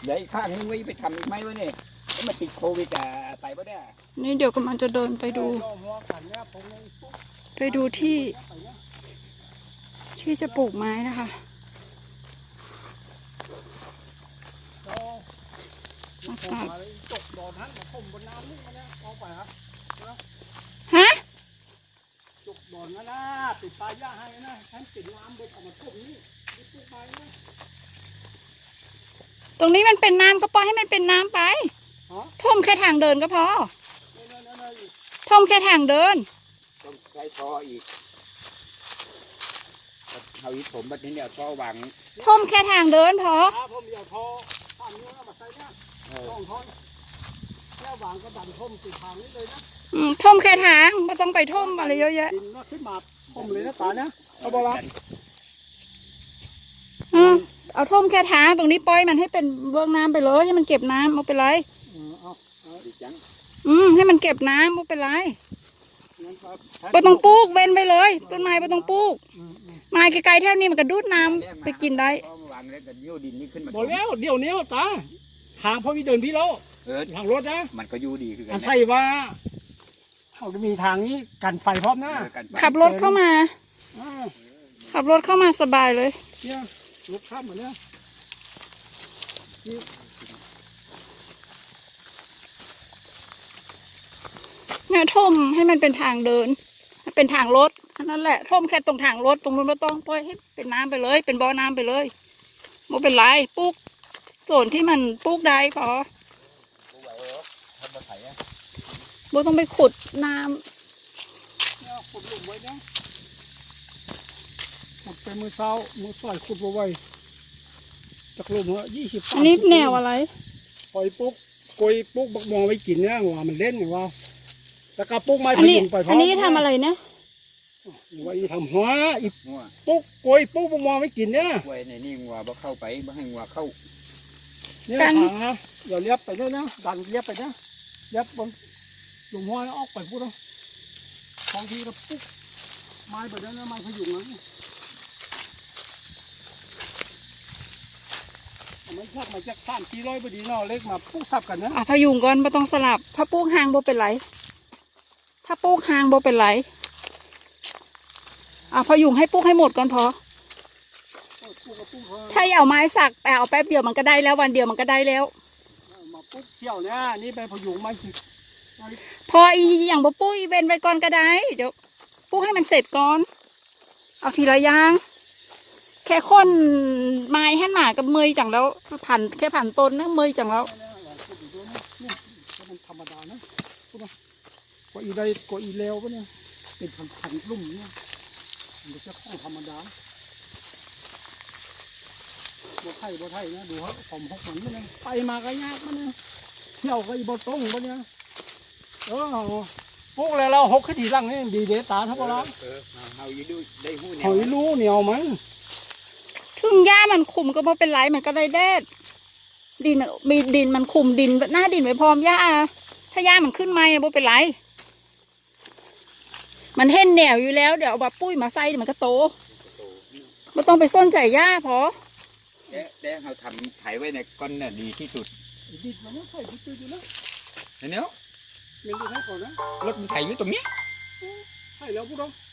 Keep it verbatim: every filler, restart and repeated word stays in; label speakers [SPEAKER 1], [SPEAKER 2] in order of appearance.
[SPEAKER 1] เดี๋ยวอีกข้างนึงไว้ไปทำอีกไหมวะเนี่ยแล้วมาติดโควิดอ่ะไปปะเนี่ย
[SPEAKER 2] นี่เดี๋ยวกำลังจะเดินไปดู ไปดูที่ ที่จะปลูกไม้นะคะอากาศฮะ
[SPEAKER 3] จุกบ่อนนะนะติดปลายย่าให้นะฉันติดน้ำบนเอามาท่วมนี่นี่ปลูกไม้นะ
[SPEAKER 2] ตรงนี้มันเป็นน้ำก็ปล่อยให้มันเป็นน้ำไปท่มแค่ทางเดินก็พอท่มแค่ทางเดิน
[SPEAKER 1] ต้องใช้ท่ออีกเอาอีกผมแบบนี้เดี๋ยวท่อวาง
[SPEAKER 2] ท่มแค่ทางเดินพอ
[SPEAKER 3] ผมเดี๋ยวท่อทำเนื้อมาใส่เนี่ยต้องท่อแค่วางก็ดันท่มติดทางนี้เลยนะ
[SPEAKER 2] อืมท่มแค่ทางไม่ต้องไปท่มอะไรเยอะแยะ
[SPEAKER 3] ดินขึ้นมาท่มเลยนะตาเนี่ยเอาบอละ
[SPEAKER 2] อืมเอาท่มแค่ทางตรงนี้ปล่อยมันให้เป็นเบื้องน้ำไปเลยให้มันเก็บน้ำเอาไปเลยอืมให้มันเก็บน้ำเอาไปเลยไม่ต้องปลูกเว้นไปเลยต้นไม้ไม่ต้องปลูกไม้ไกลๆแถวนี้มันก็ดูดน้ำไปกินได้
[SPEAKER 3] บอกแล้วเดี๋ยวนี้ตาทางพอมีเดินพี่แล้วทางรถนะ
[SPEAKER 1] มันก็อยู่ดีคือ
[SPEAKER 3] กันใส่ว่าเขาจะมีทางนี้กันไฟพร้อมนะ
[SPEAKER 2] ขับรถเข้ามาขับรถเข้ามาสบายเลย
[SPEAKER 3] เนี่ยรถข้ามมาเนี่ย
[SPEAKER 2] เนี่ยท่มให้มันเป็นทางเดินเป็นทางรถนั่นแหละท่มแค่ตรงทางรถตรงนู้นไม่ต้องปล่อยให้เป็นน้ำไปเลยเป็นบ่อน้ำไปเลยไม่เป็นไรปลูกส่วนที่มันปลูกได้พอบ่ต้องไปขุดน้
[SPEAKER 3] ำขุดลงไว้นะขุดไปมือเช้ามือสายขุดไว้จากลมว่ายี่สิบ
[SPEAKER 2] อันนี้แนวอะไร
[SPEAKER 3] ปล่อยปุ๊กกอยปุ๊กบักมองไว้กินเนี่ยว่ามันเล่นว่าแล้วก็ปุ๊กไม้พยุงไปพร้อม
[SPEAKER 2] อันนี้ทำอะไรเนี่ย
[SPEAKER 3] ไว้ทำหัวอีปุ๊กกอยปุ๊กบักมองไว้กินเนี่ย
[SPEAKER 1] ไว้ในนี่งัวบ่เข้าไปบ่ให้งัวเข้า
[SPEAKER 3] เนี่ยทางนะเดี๋ยวเลี้ยบไปด้วยนะดันเลี้ยบไปนะเลี้ยบบนหลุมหัวแล้วออกไปพูดเอาบางทีก็ปุ๊กไม้แบบนั้นไม้พยุงนั้นมันชักมาจากสามสี่ร้อยพอดีเนาะเล็กมาปุ๊กสับกันนะ
[SPEAKER 2] อ่ะพยุงก่อนไม่ต้องสลับถ้าปุ๊กหางโบเป็นไรถ้าปุ๊กหางโบเป็นไรอ่ะพยุงให้ปุ๊กให้หมดก่อนพอถ้าเอาไม้สักแต่เอาแป๊บเดียวมันก็ได้แล้ววันเดียวมันก็ได้แล้ว
[SPEAKER 3] มาปุ๊กเที่ยวเนี่ยนี่ไปพยุงไม้สิ
[SPEAKER 2] พออีอย่างบ่ปุ้ยเว้นไว้ก่อนก็ได้เดี๋ยวปุ๊กให้มันเสร็จก่อนเอาทีละอย่างแค่คนไม้ให้หนากับมือจังแล้วผ่านแค่ผ่านต้นนะมือจังแล้ว
[SPEAKER 3] มันธรรมดานะก็อีได้ก็อีเลวปะเนี่ยเป็นพันพันลุ่มเนี่ยมันจะข้องธรรมดาบ่ไทยบ่ไทยนะดูเขาผมหกมันเนี่ยไปมาก็ยากมันเนี่ยเที่ยวก็อีบ่ตรงปะเนี่ยเออพวกอะไรเราหกขึ้นทีหลังนี่ดีเดตาทั้งหมดแล้ว
[SPEAKER 1] เฮาอยู่ได้หู้
[SPEAKER 3] เนี่ยเฮาอยู่รู้เหนียวมัน
[SPEAKER 2] ถึงหญ้ามันคุมก็บ่เป็นไรมันก็ได้แดดดินมีดินมันคุมดินหน้าดินไว้พร้อมหญ้าถ้าหญ้ามันขึ้นมาบ่เป็นไรมันเห็นแนวอยู่แล้วเดี๋ยวเอามาปุ้ยมาใส่มันก็โตไม่ต้องไปส้นใจหญ้าพอ
[SPEAKER 1] แด้แด้เขาทำไถไว้ในก้อนเนี่ยดีที่สุด
[SPEAKER 3] ดินมันไม่ไถที่ตัวอยู่แล้ว
[SPEAKER 1] เนี้ย
[SPEAKER 3] มันดีให้ก่อนนะ
[SPEAKER 1] รถมันไถอยู่ตรงนี้
[SPEAKER 3] ไถแล้วพูดเอา